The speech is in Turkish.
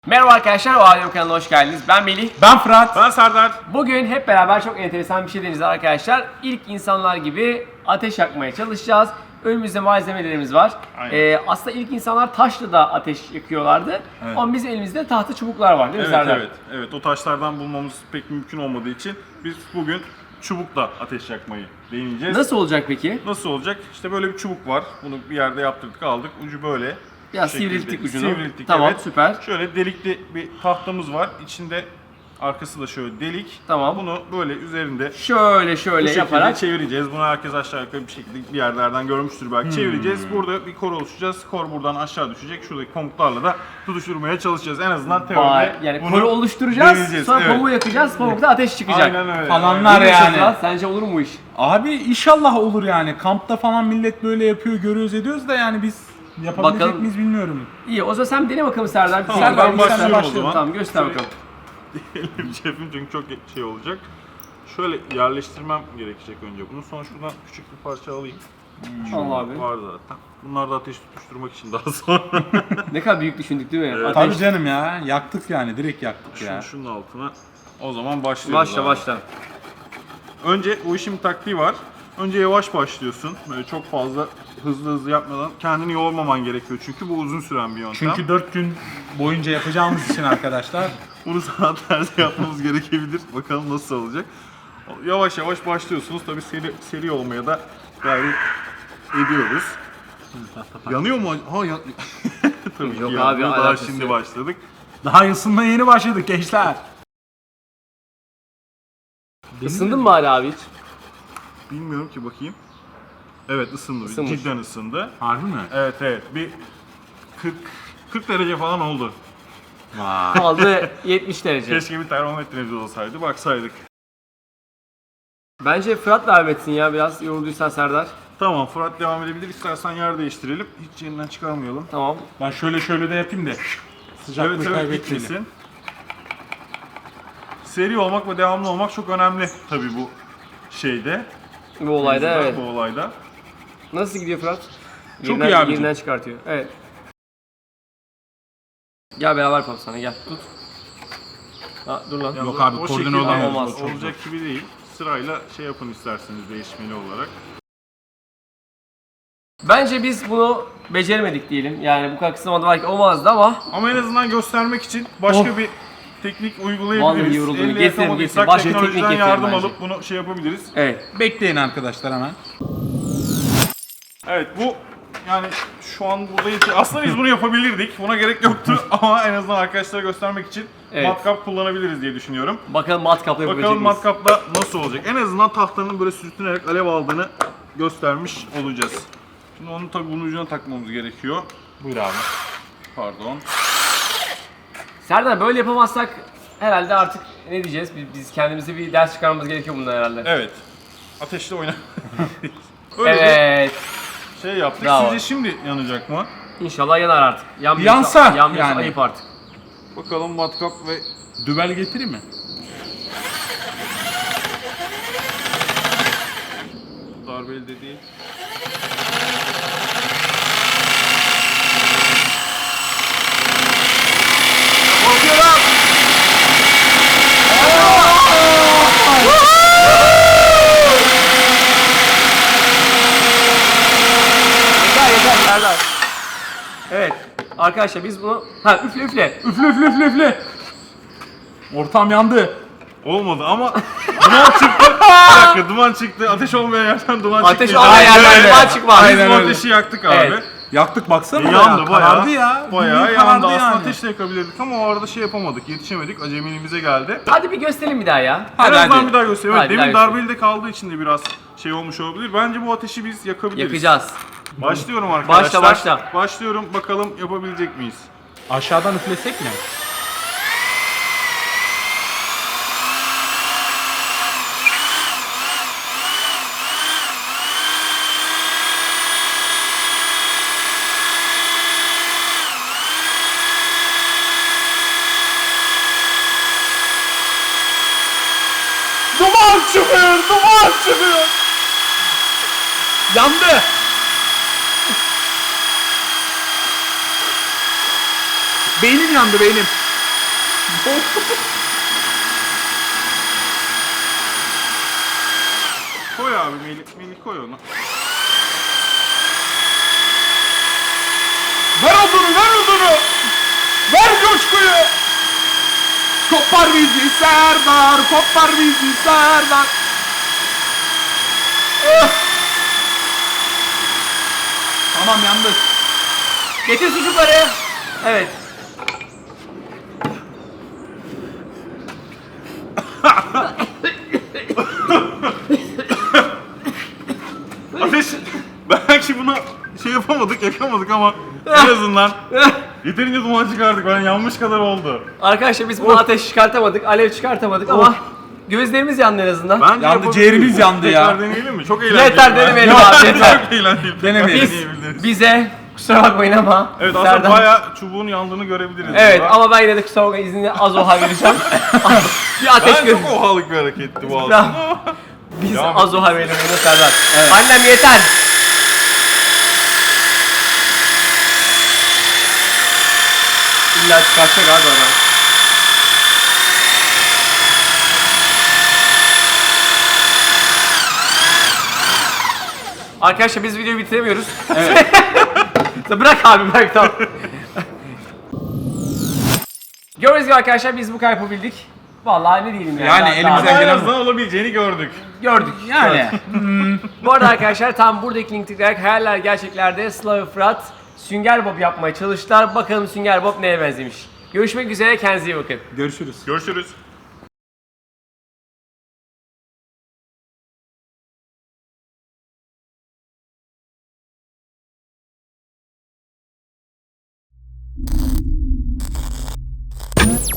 Merhaba arkadaşlar, o Alem kanalına hoş geldiniz. Ben Melih. Ben Fırat. Ben Serdar. Bugün hep beraber çok enteresan bir şey deneyeceğiz arkadaşlar. İlk insanlar gibi ateş yakmaya çalışacağız. Önümüzde malzemelerimiz var. Aslında ilk insanlar taşla da ateş yakıyorlardı. Evet. Ama bizim elimizde tahta çubuklar var değil mi Evet, Serdar? evet. O taşlardan bulmamız pek mümkün olmadığı için biz bugün çubukla ateş yakmayı deneyeceğiz. Nasıl olacak peki? Nasıl olacak? İşte böyle bir çubuk var. Bunu bir yerde yaptırdık, aldık. Ucu böyle. Ya Bu şekilde. sivrilttik ucunu. Sivrilttik, Tamam, evet. süper. Şöyle delikli bir tahtamız var. İçinde arkası da şöyle delik. Tamam. Bunu böyle üzerinde Şöyle bu şekilde yaparak. çevireceğiz. Bunu herkes aşağı yukarı bir şekilde bir yerlerden görmüştür belki. Çevireceğiz. Burada bir kor oluşacağız. Kor buradan aşağı düşecek. Şuradaki pamuklarla da tutuşturmaya çalışacağız. En azından teoride Yani bunu koru oluşturacağız, deneyeceğiz. sonra Evet. pamuğu yakacağız, pamukta ateş çıkacak. Aynen öyle. Falanlar Ne diyorsun yani. Fırat? Sence olur mu bu iş? Abi inşallah olur yani. Kampta falan millet böyle yapıyor, görüyoruz, ediyoruz da yani biz yapabilecek Bakalım. miyiz bilmiyorum. İyi, o zaman sen dene bakalım Serdar. Tamam, Serdar, ben başlıyorum o zaman. Tamam, göster Şöyle- bakalım. Elim cebim çünkü çok şey olacak. Şöyle yerleştirmem gerekecek önce bunu. Sonra şuradan küçük bir parça alayım. Allah abi. Var zaten. Bunlar da ateş tutuşturmak için daha sonra. Ne kadar büyük düşündük değil mi? Evet. Ateş. Tabii canım ya. Yaktık yani. Direkt yaktık ya. Şunun altına. O zaman başlıyoruz. abi. Başla. Önce o işin bir taktiği var. Önce yavaş başlıyorsun. Böyle çok fazla hızlı yapmadan kendini yormaman gerekiyor. Çünkü bu uzun süren bir yöntem. Çünkü 4 gün boyunca yapacağımız için arkadaşlar. Bunu saatlerde yapmamız gerekebilir. Bakalım nasıl olacak. Yavaş yavaş başlıyorsunuz. Tabii seri olmaya da gayret ediyoruz. Yanıyor mu? Ha ya. Tabii Yok ki abi, yanmıyor. Daha alakası şimdi yok. başladık. Daha ısınmaya yeni başladık gençler. Isındın mı hala abi hiç? Bilmiyorum ki, bakayım. Evet, ısındı. Isınmış. Cidden ısındı. Harbi mi? Evet. Bir 40 derece falan oldu. Vay. Kaldı 70 derece. Keşke bir termometremiz olsaydı. Baksaydık. Bence Fırat devam etsin ya, biraz yorulduysan Serdar. Tamam, Fırat devam edebilir. İstersen yer değiştirelim. Hiç yerinden çıkarmayalım. Tamam. Ben şöyle de yapayım da sıcaklığı Evet, kaybetmeyelim. gitmesin. Seri olmak ve devamlı olmak çok önemli tabii bu şeyde. Bu olayda evet. Bu olayda. Nasıl gidiyor Fırat? Çok iyi abicim. Yerinden çıkartıyor. Evet. Gel beraber yapalım sana, gel. Tut. Ha, dur lan. Yok abi, O koordine şekilde olamaz. Olmaz. Çok olacak gibi değil. Sırayla şey yapın isterseniz, değişmeli olarak. Bence biz bunu beceremedik diyelim. Yani bu kadar kısa zamanda belki olmazdı ama Ama en azından göstermek için başka Of. bir teknik Vallahi uygulayabiliriz. yoruldum. Elle Getirin, yapamadıysak başka teknik teknolojiden getirin yardım bence. alıp bunu şey yapabiliriz. evet. Bekleyin arkadaşlar hemen. Evet, bu yani şu an burada aslında biz bunu yapabilirdik. Buna gerek yoktu ama en azından arkadaşlara göstermek için Evet. matkap kullanabiliriz diye düşünüyorum. Bakalım matkapla yapabilecek Bakalım miyiz? matkapla nasıl olacak. En azından tahtanın böyle sürtünerek alev aldığını göstermiş olacağız. Şimdi onu tabii bunun ucuna takmamız gerekiyor. Buyur abi. Pardon. Serdar, böyle yapamazsak herhalde artık ne diyeceğiz? Biz kendimize bir ders çıkarmamız gerekiyor bundan herhalde. Evet. Ateşle oyna. Öyle Evet. bir şey yaptık. Bravo. Sizce şimdi yanacak mı? İnşallah yanar artık. Yanmıyorsa, Yansa yanmıyorsa yani. ayıp artık. Bakalım matkap ve Dübel getireyim mi? darbeli de değil. Korkuyorum. Yeter Serdar. Evet. Arkadaşlar biz bunu... Ha, üfle. Üfle. Ortam yandı. Olmadı ama duman çıktı. Bir dakika, duman çıktı. Ateş olmayan yerden duman Ateş çıktı. olmayan Aynen yerden öyle. duman çıkmaz. Biz Aynen bu öyle. ateşi yaktık abi. Evet. Yaktık baksana ya. Yandı bayağı. Karardı ya. Bayağı Bildiğin yandı. karardı Aslında yani. ateşle yakabilirdik ama o arada şey yapamadık. Yetişemedik. Acemiliğimize geldi. Hadi bir gösterelim bir daha ya. Hadi, en azından hadi. bir daha göstereyim. Evet, Hadi, bir demin daha darbeli de kaldığı için de biraz şey olmuş olabilir. Bence bu ateşi biz yakabiliriz. Yakacağız. Başlıyorum arkadaşlar. Başla. Başlıyorum. Bakalım yapabilecek miyiz? Aşağıdan üflesek mi? Duman çıkıyor. Yandı. Beynim yandı. Koy abi Melih koy onu. Ver odunu! Ver coşkuyu! Kopar bizi Serdar, kopar bizi Serdar. Tamam yandık. Getir sucukları. Evet. Ateş, belki buna şey yapamadık, yakamadık ama en azından yeterince duman çıkardık. Ben yanmış kadar oldu. Arkadaşlar biz bunu ateş çıkartamadık, alev çıkartamadık ama gözlerimiz yandı en azından. Bence Yandı, yapabiliriz. ciğerimiz yandı ya. Tekrar deneyelim mi? Çok eğlenceli. Yeter denemeyelim abi, yeter. Çok eğlenceli. Denemeyelim. Deneyebiliriz. Bize kusura bakmayın ama. Evet aslında Serdar- bayağı çubuğun yandığını görebiliriz. Evet burada. ama ben yine de kusura bakmayın izni az oha vereceğim. Bir ateş Ben gör. çok ohalık bir hareketti bu Bravo. aslında. Biz Devam az oha verelim bunu Serdar. Annem yeter. İlla çıkartacak abi adam. Arkadaşlar biz videoyu bitiremiyoruz. Evet. Bırak abi bırak tamam. Gördüğünüz gibi arkadaşlar biz bu kadar yapabildik. Vallahi ne diyelim yani. Yani Daha- elimizden Ama en gelen- azından olabileceğini gördük. gördük. Yani. Bu arada arkadaşlar tam buradaki link tıklayarak hayaller gerçeklerde Sıla ve Fırat Sünger Bob yapmaya çalıştılar. Bakalım Sünger Bob neye benzemiş. Görüşmek üzere, kendinize iyi bakın. Görüşürüz. Görüşürüz.